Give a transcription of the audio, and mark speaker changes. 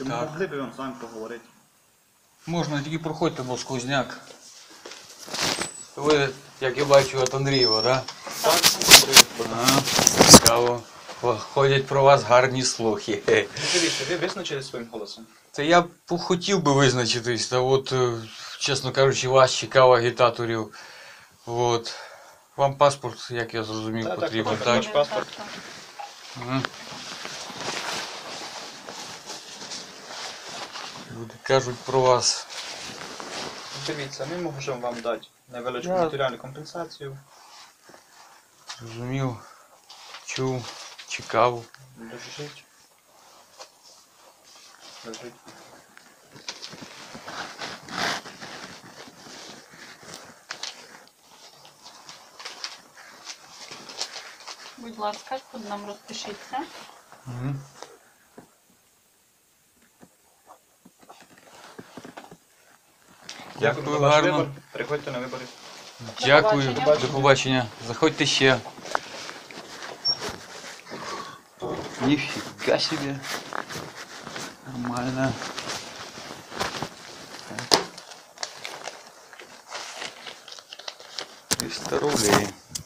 Speaker 1: Чи
Speaker 2: Так.
Speaker 1: могли б вам з вами поговорити?
Speaker 2: Можна, тільки проходьте, бо сквозняк. Ви, як я бачу, от Андрієва, так?
Speaker 1: Так,
Speaker 2: Ага, цікаво. Ходять про вас гарні слухи.
Speaker 1: дивіться, ви визначили своїм голосом.
Speaker 2: Це я б хотів би визначитись, та от, чесно кажучи, вас чекав агітаторів. От. Вам паспорт, як я зрозумів, потрібен, так?
Speaker 1: Ваш паспорт.
Speaker 2: Ага. Люди кажуть про вас.
Speaker 1: Дивіться, ми можемо вам дати невеличку
Speaker 2: Я-
Speaker 1: матеріальну компенсацію.
Speaker 2: Зрозумів, чув, чекав.
Speaker 1: Лежить. Лежить.
Speaker 3: Будь ласка, тут нам розпишіться.
Speaker 2: Угу.
Speaker 1: Дякую за
Speaker 2: Дякую,
Speaker 1: ваш
Speaker 2: гарно.
Speaker 1: вибір. Приходьте на вибори.
Speaker 2: Дякую,
Speaker 3: побачення.
Speaker 2: до побачення. Заходьте ще. Ніфіга собі. Нормально. 300 рублей.